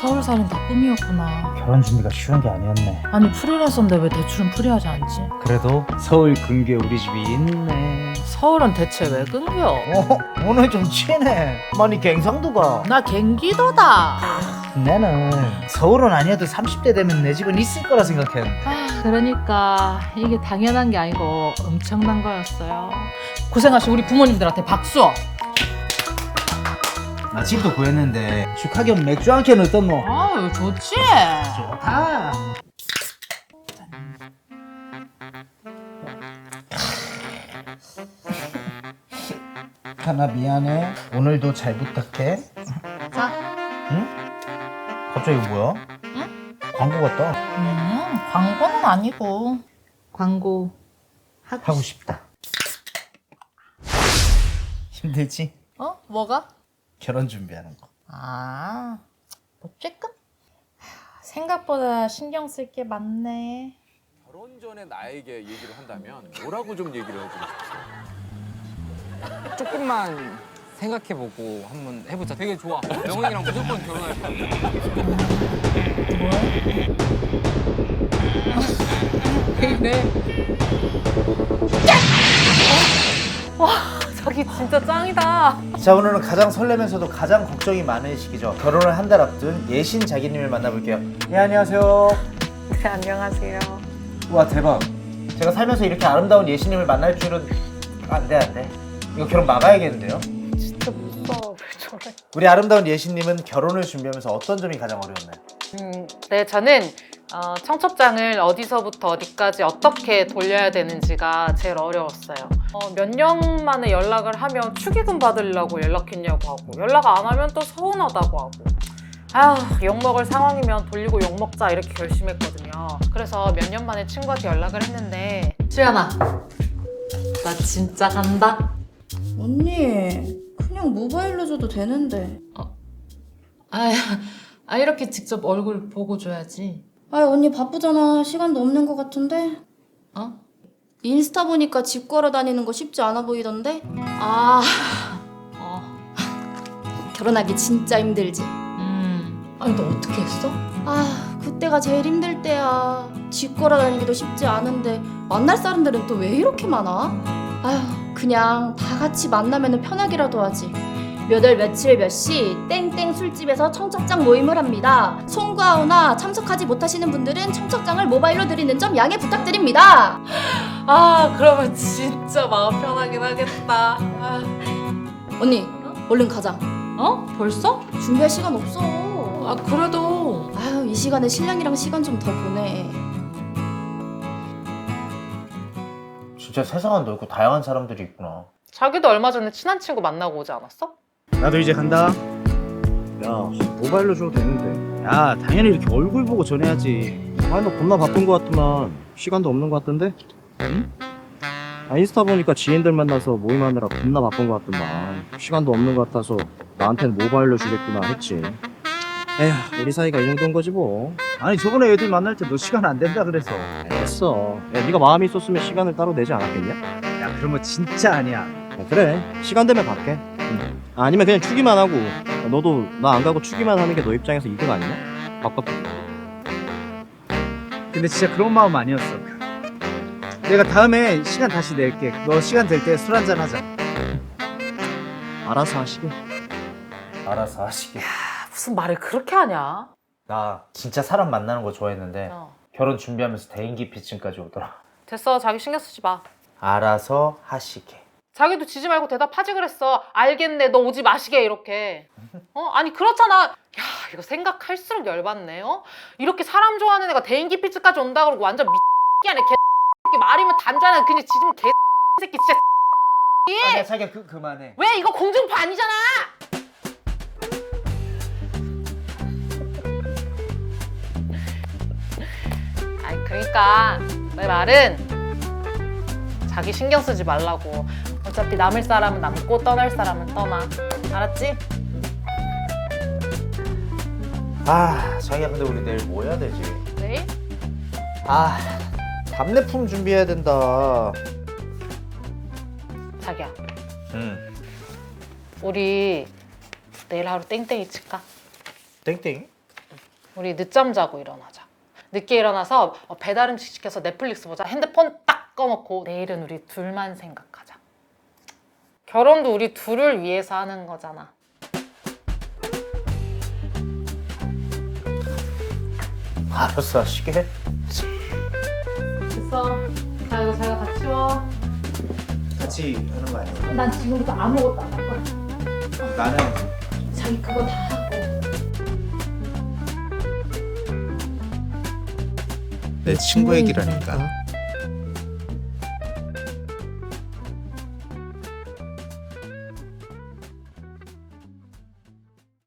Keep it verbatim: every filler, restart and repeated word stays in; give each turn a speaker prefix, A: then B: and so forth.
A: 서울살인 다 꿈이었구나.
B: 결혼 준비가 쉬운 게 아니었네.
A: 아니 프리랜서인데 왜 대출은 프리하지 않지?
B: 그래도 서울 근교에 우리 집이 있네.
A: 서울은 대체 왜 끊겨?
B: 어, 오늘 좀 치네. 많이 갱상도가.
A: 나 갱기도다.
B: 나는 서울은 아니어도 삼십 대 되면 내 집은 있을 거라 생각했는데.
A: 아, 그러니까 이게 당연한 게 아니고 엄청난 거였어요. 고생하신 우리 부모님들한테 박수.
B: 나 집도 구했는데 축하 겸 맥주 한 캔 어떻노?
A: 아유 좋지.
B: 좋다. 하나 미안해. 오늘도 잘 부탁해.
A: 자.
B: 응? 갑자기 이거 뭐야?
A: 응?
B: 광고 같다.
A: 음 광고는 아니고 광고 하고,
B: 하고 싶다. 힘들지?
A: 어? 뭐가?
B: 결혼 준비하는 거.
A: 아, 뭐 조금? 생각보다 신경 쓸 게 많네.
C: 결혼 전에 나에게 얘기를 한다면 뭐라고 좀 얘기를 해주고 싶어?
D: 조금만 생각해보고 한번 해보자. 되게 좋아. 영훈이랑 무조건 결혼할 거야.
A: 왜 이래? 와, 자기 진짜 짱이다.
B: 자, 오늘은 가장 설레면서도 가장 걱정이 많은 시기죠. 결혼을 한 달 앞둔 예신 자기님을 만나볼게요. 예, 안녕하세요.
E: 네, 안녕하세요.
B: 우와, 대박. 제가 살면서 이렇게 아름다운 예신님을 만날 줄은 안 돼, 안 돼. 이거 결혼 막아야겠는데요?
E: 진짜 무서워. 왜 저래?
B: 우리 아름다운 예신님은 결혼을 준비하면서 어떤 점이 가장 어려웠나요?
E: 음, 네, 저는 어, 청첩장을 어디서부터 어디까지 어떻게 돌려야 되는지가 제일 어려웠어요. 어, 몇 년 만에 연락을 하면 축의금 받으려고 연락했냐고 하고 연락 안 하면 또 서운하다고 하고 아휴 욕먹을 상황이면 돌리고 욕먹자 이렇게 결심했거든요. 그래서 몇 년 만에 친구한테 연락을 했는데
A: 수연아, 나 진짜 간다.
F: 언니, 그냥 모바일로 줘도 되는데.
A: 아, 아 이렇게 직접 얼굴 보고 줘야지.
F: 아, 언니 바쁘잖아. 시간도 없는 것 같은데.
A: 어?
F: 인스타 보니까 집 걸어 다니는 거 쉽지 않아 보이던데.
A: 아, 어,
F: 결혼하기 진짜 힘들지.
A: 음. 아니 너 어떻게 했어?
F: 아, 그때가 제일 힘들 때야. 집 걸어 다니기도 쉽지 않은데 만날 사람들은 또 왜 이렇게 많아? 아휴, 그냥 다 같이 만나면 편하게라도 하지. 몇 월 며칠 몇 시 땡땡 술집에서 청첩장 모임을 합니다. 송구하거나 참석하지 못하시는 분들은 청첩장을 모바일로 드리는 점 양해 부탁드립니다.
A: 아, 그러면 진짜 마음 편하긴 하겠다. 아.
F: 언니, 얼른 가자.
A: 어? 벌써?
F: 준비할 시간 없어.
A: 아, 그래도
F: 아유, 이 시간에 신랑이랑 시간 좀 더 보내.
B: 진짜 세상은 넓고 다양한 사람들이 있구나.
E: 자기도 얼마 전에 친한 친구 만나고 오지 않았어?
B: 나도 이제 간다. 야, 모바일로 줘도 되는데. 야, 당연히 이렇게 얼굴 보고 전해야지.
G: 아, 너 겁나 바쁜 거 같더만. 시간도 없는 거 같던데? 응? 아, 인스타 보니까 지인들 만나서 모임하느라 겁나 바쁜 거 같더만. 시간도 없는 거 같아서 나한테는 모바일로 주겠구나 했지. 에휴, 우리 사이가 이 정도인 거지 뭐.
B: 아니, 저번에 애들 만날 때 너 시간 안 된다 그래서.
G: 됐어. 야, 네가 마음이 있었으면 시간을 따로 내지 않았겠냐?
B: 야, 그러면 진짜 아니야.
G: 야, 그래. 시간 되면 갈게. 응. 아니면 그냥 추기만 하고. 야, 너도 나 안 가고 추기만 하는 게 너 입장에서 이득 아니냐? 바꿔.
H: 근데 진짜 그런 마음 아니었어. 내가 다음에 시간 다시 낼게. 너 시간 될 때 술 한잔 하자.
G: 알아서 하시게.
B: 알아서 하시게.
E: 무슨 말을 그렇게 하냐?
B: 나 진짜 사람 만나는 거 좋아했는데
E: 어.
B: 결혼 준비하면서 대인기피증까지 오더라.
E: 됐어, 자기 신경 쓰지 마.
B: 알아서 하시게.
E: 자기도 지지 말고 대답하지 그랬어. 알겠네, 너 오지 마시게 이렇게. 어? 아니 그렇잖아. 야 이거 생각할수록 열받네. 어? 이렇게 사람 좋아하는 애가 대인기피증까지 온다 그러고 완전 미끼하네. 개새끼 말이면 단자는 그냥 지금 개새끼 진짜.
B: 아니야, 자기야, 그, 그만해.
E: 왜 이거 공중파 아니잖아. 아니 그러니까 내 말은 자기 신경 쓰지 말라고. 어차피 남을 사람은 남고 떠날 사람은 떠나. 알았지?
B: 아, 자기야, 근데 우리 내일 뭐 해야 되지?
E: 내일?
B: 아, 답례품 준비해야 된다.
E: 자기야
B: 응.
E: 우리 내일 하루 땡땡이 칠까?
B: 땡땡이?
E: 우리 늦잠 자고 일어나자. 늦게 일어나서 어, 배달 음식 시켜서 넷플릭스 보자. 핸드폰 딱 꺼놓고 내일은 우리 둘만 생각하자. 결혼도 우리 둘을 위해서 하는 거잖아.
B: 알았어, 쉬게.
E: 됐어. 자, 이거 자기가 다 치워.
H: 같이 하는 거 아니야?
A: 난 지금부터 아무것도 안 할 거야.
H: 나는
A: 자기 그거 다 하고.
H: 내 친구 얘기라니까.